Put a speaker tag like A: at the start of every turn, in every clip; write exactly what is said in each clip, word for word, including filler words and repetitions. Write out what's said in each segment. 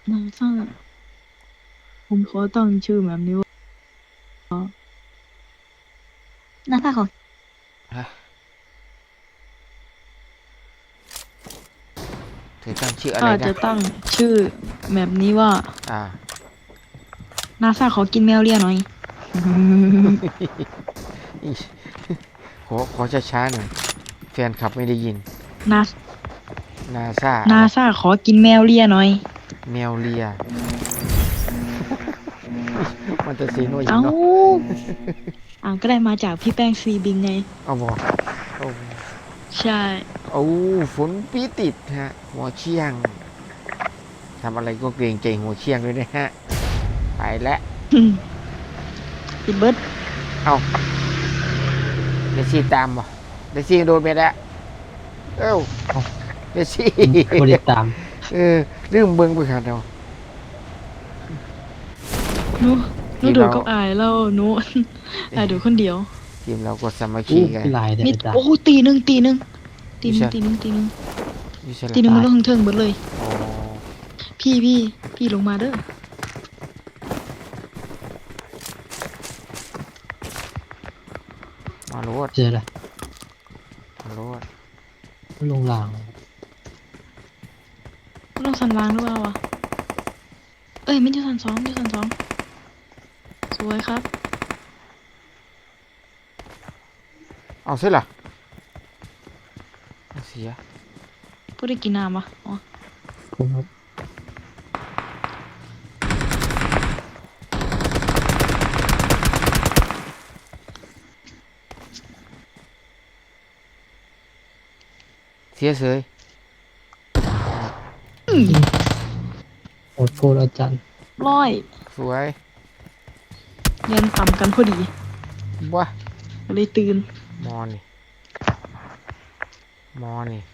A: นาซาผมขอตั้งชื่อแบบนี้ว่านาซาเขา
B: ฮะเธอตั้งชื่ออะไร
A: ข้า
B: นะ
A: จะตั้งชื่อแบบนี้ว่า
B: อ่า
A: นาซาขอกินแมวเลียหน่อย
B: ขอขอช้าๆหน่อยแฟนคลับไม่ได้ยิน
A: นา
B: นาซาอะ
A: นา
B: ไร
A: ซาขอกินแมวเลียหน่อย
B: แมวเลียมันจะสีโนอย่าง
A: เอ้า
B: เนาะ
A: อ่าก็ได้มาจากพี่แป้งซีบิงไง
B: เอาบอกเอา
A: ใช่
B: เอาฝนปีติดฮะหัวเชียงทำอะไรก็เกรงใจหัวเชียงด้วยนะฮะไปแล้ว
A: ปิดเบิร์ด
B: เอาเดซี่ตามบ่เดซี่โดนไปแล้วเอ้าเดซี่
C: บริตาม
B: เออเรื่องเบิ้งไปขาดเรา
A: หนูหนู
B: ทีม
A: ดู
B: เรา
A: กับอายแล้วหนู อายดูคนเดียว
B: ทีมเราก็สามัคคี
C: อู้
B: กัน
C: พี่ลายแต่
A: มี
C: อาจาร
A: โอ้
C: ย์
A: ตีหนึ่งตีหนึ่งตีหนึ่ง
B: วิชา
A: ตีหนึ่งตีหนึ่ง
B: วิชา
A: ตีหนึ่งมันลงเทิงเบิดเลย
B: โอ้
A: พี่พี่พี่ลงมาเด้อ
B: มาโรด
C: เจอละ
B: มาโรด
C: ลงล่าง
A: ลงสันวางหรือเปล่าวะเอ้ยไม่ใช่สันสองไม่ใช่สันสองสวยครับ
B: เอาเสร็จละเอาเสีย
A: พูดได้กินน้ำปะอ๋อ
C: ผมครับ
B: เสียเสย
C: โอดโฟนอาจารย์
A: ร้อย
B: สวย
A: เรียนต่ำกันพอดี
B: บ้า
A: ก็เลยตื่น
B: มอนี่มอนี่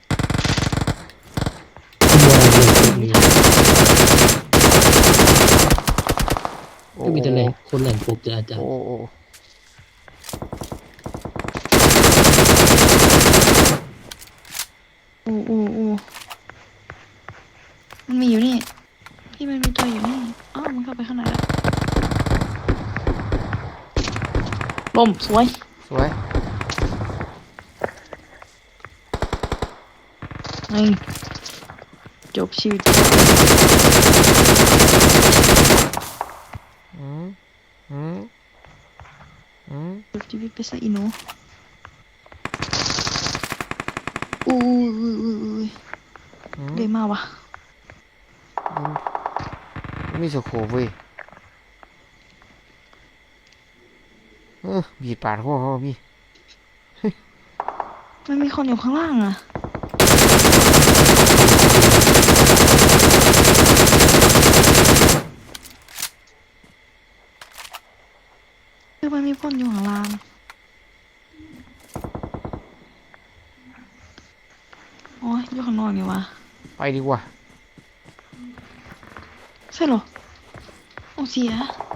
C: บัวเรียนพวกนี้
B: โอ้
C: ก็มีแต่แหล่งคนแหล่งปกจะอาจาร
B: โอ้
C: ย์
B: โอ้
A: โอ้โอ้โอ้มันมีอยู่นี่พี่มันมีตัวอยู่นี่อ้าวมันเข้าไปข้างในแล้วล่มสวย
B: สวย
A: นี่จบชีวิต
B: อืมอืมอืม
A: จบชีวิตไปซะอีหนูอู้อู้อู้อู้
B: อืม
A: เดมาวะ
B: มีสโคปเว้ยเออบีบปาดหัวเขามี
A: มันมีคนอยู่ข้างล่างอ่ะคือมันมีคนอยู่ข้างล่างโอ้ยอยู่ข้างนอกนี่วะ
B: ไปดีกว่า
A: ใช่เหรอโอ้เสีย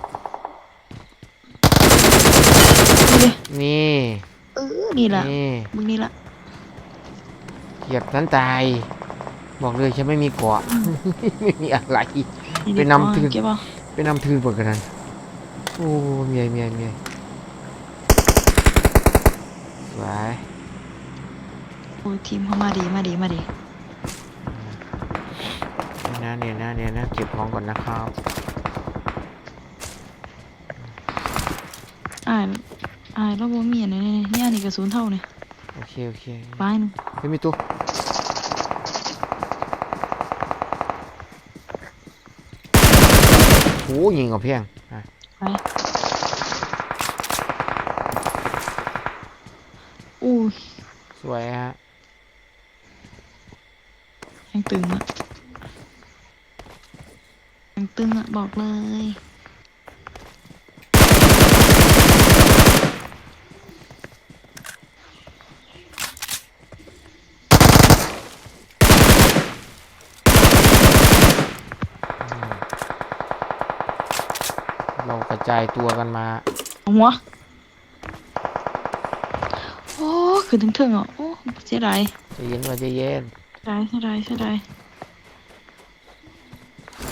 A: นี่เลย
B: นี่
A: เออนี่แหละ
B: นี่
A: มึงนี่ละ
B: เหยียบนั้นตายบอกเลยฉันไม่มีเกาะ ไม่มีอะไร
A: นี่
B: ไป
A: ดิ
B: นำถือ
A: เก็บเอา
B: ไปนำทืนเปิดกันนั้นโอ้เมียเมียเมียสวย
A: โอ้ยทีมเขามาดีมาดีมาดี
B: เนี่ยนะเนี่ยนะเนี่ยนะเก็บของก่อนนะครับ
A: อ่านอ่านแล้วบ่มีอันไหนเนี่ยเนี่ยนี่กระสุนเท่าเนี่ย
B: โอเคโอเค
A: ไปหนึง
B: ไม่มีตัวโอ้ยิงกับเพียงอ่ะ
A: ไปอู้ย
B: สวยฮะ
A: ยังตึงอ่ะยังตึงอ่ะบอกเลย
B: เรากระจายตัวกันมา
A: เอาหัวโอ้ขึ้นถึงถึงอ่ะโอ้เสียดาย
B: ใจะเย็นว่าใจะเย็น
A: เสียดายเสียดายเสียดาย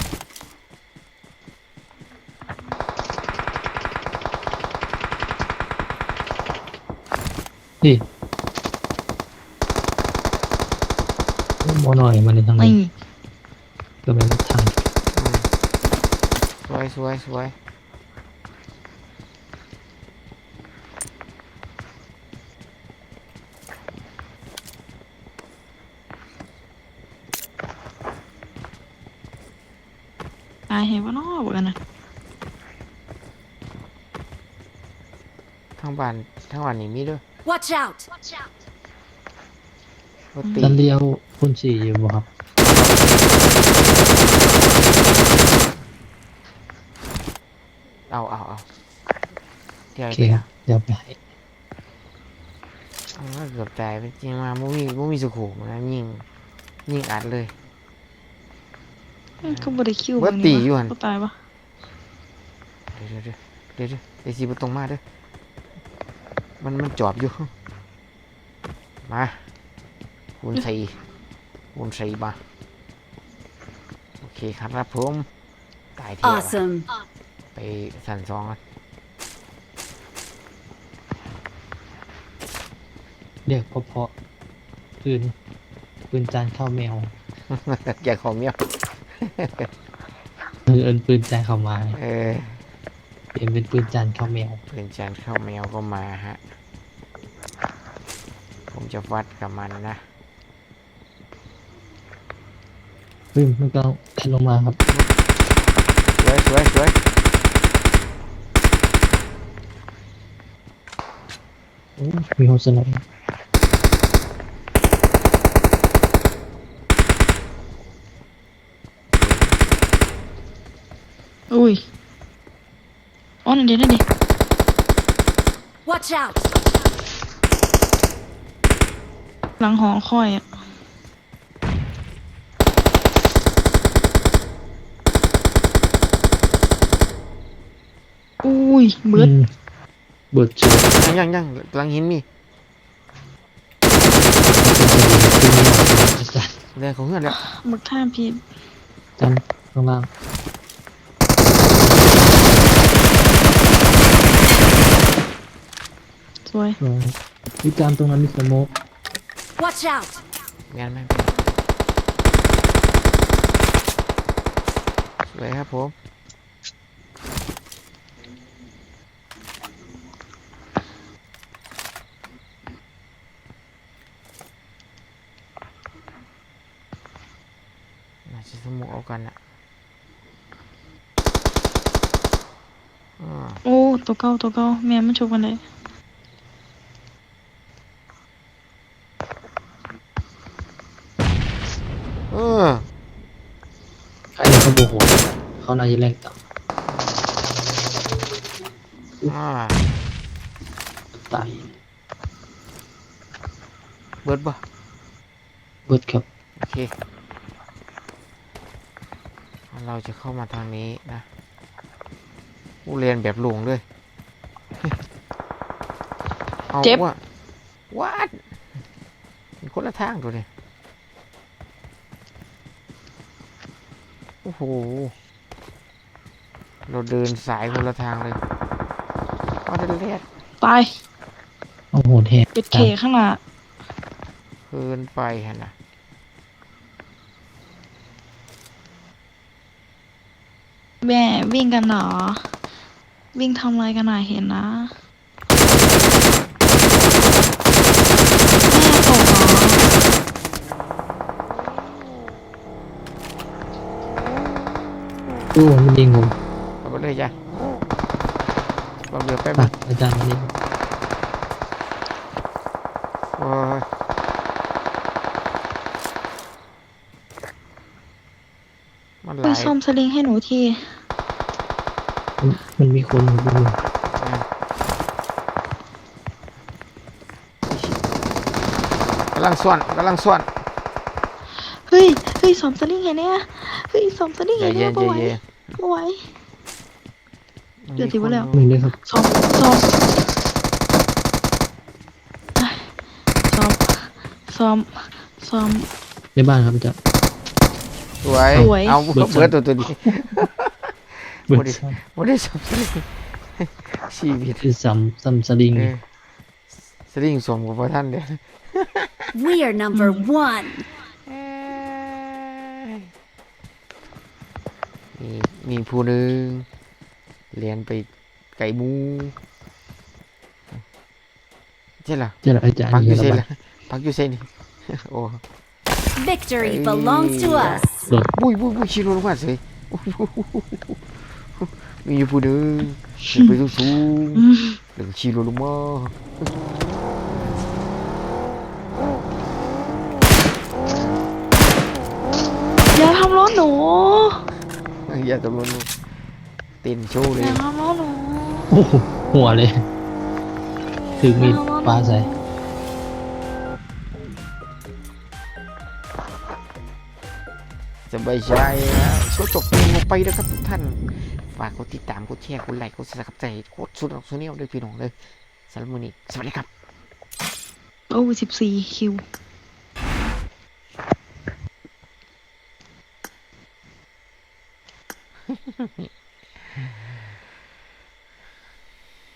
C: นี่โมหน่อยมาในทาง
A: นี่
C: นี้ก็เป็นทาง
B: อืมสวยสวยสวย
A: ตายเห็นว่าน้อบอกกันนะ
B: ทางบ้านทางบ้านนี่มีด้วย
D: Watch out!
B: รถตี
C: ด้านเดียวคุณสี่อยู่บ่ครับ
B: เอาเอาเอาเดี๋ยว
C: โอเค
B: เดี๋
C: ค
B: ยว
C: รับเดี๋ยวไปให้
B: เอาเกือบตายไปจริงมามุมีมุมีสุขุมนะยิงยิงอัดเลย
A: เขาบริคิว
B: เบิดตีอยู่หั่น
A: เขาตายปะ
B: เดี๋ยวเดี๋ยวเดี๋ยวเดี๋ยวเดี๋ยวไอซีประตรงมาเด้อมันมันจอบอยู่มาคูณสี่คูณสี่มาโอเคครับผมตายเทีย
D: Awesome!
B: ไปสั่นสองกัน
C: เรียกเพาะๆปืนปืนจานข้าวแมว
B: อยากของเมียว
C: เออเอินปืนจานข้าวไม้
B: เออ
C: เปลี่ยนเป็นปืนจานข้าวแมว
B: เพื่อนจานข้าวแมวก็มาฮะผมจะวัดกับมันนะ
C: ปืนมันก็แทนลงมาครับ
B: สวยสวยสวย
C: โอ้มีโฮสไนด์
A: อุ้ยอ๋อนั่นเดี๋ยวนั่นเดี๋ยว
D: Watch out!
A: หลังหอคอยอ่ะอุ้ยเบิด
C: อืมเบิดเชือก
B: ยังยังยังกำลังหินมี
C: อาจารย์
B: เรื่องของเพื่อนแล้ว
A: บักท่ามพี
C: อาจารย์ข้างล่าง
A: สวย
C: เออวิจารณ์ตรงนั้นมีสโมก
D: Watch out!
B: งานไม่สวยครับผมน่าจะสมุกเอากันอ่ะอ่า
A: โอ้ตัวเก่าตัวเก่าแม่มันชกกันเลย
B: เออ
C: ใครเขาโมโหเขาน่าจะแรงต่
B: อ่า
C: ำตาย
B: เบิดบ่
C: เบิดครับ
B: โอเค เราจะเข้ามาทางนี้นะผู้เรียนแบบหลงเลย เอาว่าวัดคนละทางตัวเนี่ยโอ้โห เราเดินสายคนละทางเลยเอาเดินเลียด
A: ตาย
C: โอ้โหแทน
A: เป็ดเคข้างหน้า
B: เกินไปฮะนะ
A: แม่วิ่งกันเหรอ วิ่งทำอะไรกันหน่อยเห็นนะแม่ตกเหรอ
C: โอ้มันยิงผม
B: เอาไปเลยจ้ะเราเรือแป๊บ
C: อ่ะ
B: นึง
C: อาจารย์มันยิง
B: โอ้ยมันไห
A: ไป
B: ล
A: ซ่อมสลิงให้หนูที
C: มันมันมีคนอยู่ด้วย
B: อ่ะกำลังส่วนกำลังส่วน
A: เฮ้ย เฮ้ยซ่อมสลิงไงเนี่ยเฮ้ยซ่อมสลิง
B: ใจ
A: ไงเนี่
B: เย็
A: ย
B: น
A: บ่
B: ใจ
A: ไหว
B: เย็น
A: บ่ไหว เดี๋ยวสิว่าแล้ว
C: หนึ่งเลยครับ
A: ซ่อมซ่อมซ่อมซ่อมซ่อม
C: ในบ้านครับอาจารย์
B: สวย
A: สวย
B: เอา
C: เบิด
B: เบิดตัวตัวนี้
C: เบิ
B: โอ้
C: ด
B: ดิ
C: ซ้
B: ไม่ได้สับสนชีวิต
C: ำคือซ้ำซ้ำสลิง
B: เออสลิงสวมกับพระท่านเด้อ
D: We are number one.
B: มีมีผู้หนึ่งเรียนไปไก่หมูใช่ล่ะ
C: เจ้าอาจารย์
B: พักอยู่
C: เย
B: เซ
C: อะ
B: นล่ะพักอยู่เซนนี่โอ้
D: Victory
B: Hey.
D: belongs to us.
C: รถ
B: บุยบุยบุยชิโร่ลงมาสิมีอยู่ผู้หนึ่งเดินไปสูงสูงๆแล้วก็ชิโร่ลงมา
A: อย่าทำรถหนู
B: อย่าตำรวจเต้นโชว์เล
A: อย ย่าทำรถหนู
C: โอ้โหหัวเลย ถึงมีดปลาใส่
B: สบายใจนะก็จบเพลงลงไปแล้วครับทุกท่าน ฝากกดติดตามกดแชร์กดไลค์กดซับสไครต์กดสุดออกสุดเนียวด้วยพี่น้องเลยสำหรับมื้อนี้สวัสดีครับ
A: โอ้สิบสี่คิว